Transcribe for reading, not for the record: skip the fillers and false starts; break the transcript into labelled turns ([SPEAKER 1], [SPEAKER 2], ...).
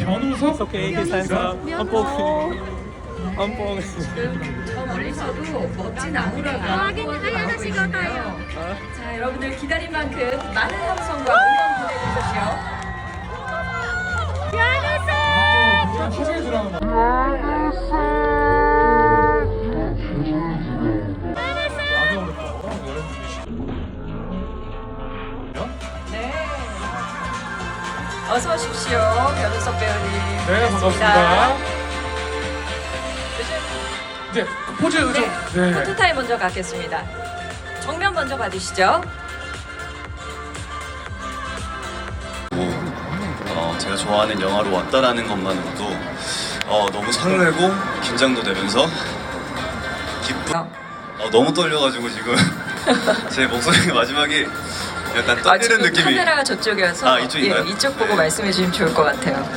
[SPEAKER 1] 변우석?
[SPEAKER 2] 오케이, 계산서. 엄뽕.
[SPEAKER 3] 지금 저 멀리서도 멋진 아우라가
[SPEAKER 4] 하야나시가타요.
[SPEAKER 3] 자, 여러분들 기다린 만큼 많은 함성과 응원 보내주십시오.
[SPEAKER 1] 화장이 들어가는 거.
[SPEAKER 3] 네. 어서 오십시오, 변우석 배우님.
[SPEAKER 1] 네, 반갑습니다. 이제 포즈 좀.
[SPEAKER 3] 네. 포토타임 먼저 갖겠습니다. 정면 먼저 받으시죠.
[SPEAKER 5] 제가 좋아하는 영화로 왔다라는 것만으로도 너무 설레고 긴장도 되면서 기쁜. 너무 떨려가지고 지금 제 목소리가 마지막에 약간 떨리는
[SPEAKER 3] 지금
[SPEAKER 5] 느낌이.
[SPEAKER 3] 카메라가 저쪽이어서
[SPEAKER 5] 이쪽인가요?
[SPEAKER 3] 예, 이쪽 보고 말씀해 주시면 좋을 것 같아요.